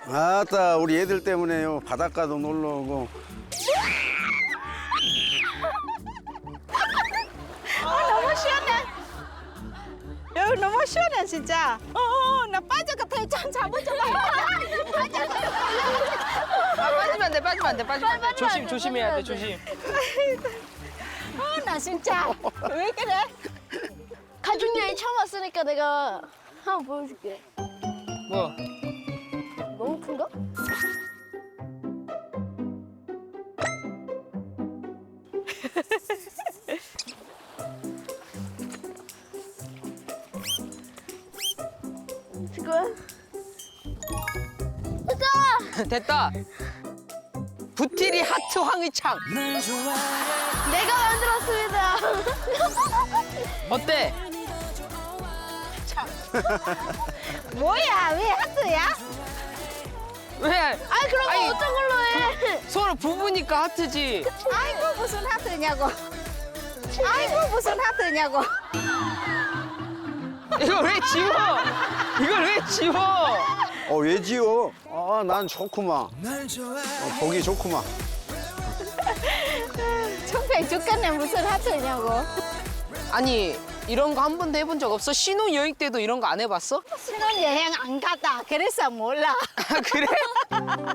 아따 우리 애들 때문에요. 바닷가도 놀러 오고. 너무 시원해. 여기 너무 시원해 진짜. 나 빠질 것 같아. 좀 잡아줘봐. 빠지면 안 돼, 빠지면 안 돼, 빠지면 안 돼. 조심해야 돼, 조심. 나 진짜 왜 그래? 가족 여행 처음 왔으니까 내가 한번 보여줄게. 뭐? 너무 큰가? 지금 됐다. 부티리 하트 황희창. 내가 만들었습니다. 어때? 뭐야 왜 하트야? 왜? 아 그럼 아니, 어떤 걸로 해? 서로 부부니까 하트지. 아이고 무슨 하트냐고. 아이고 무슨 하트냐고. 이걸 왜 지워? 이걸 왜 지워? 왜 지워? 난 좋구만. 보기 좋구만. 청평 죽겠네 무슨 하트냐고. 아니, 이런 거 한 번도 해본 적 없어? 신혼여행 때도 이런 거 안 해봤어? 신혼여행 안 갔다. 그래서 몰라. 아, 그래?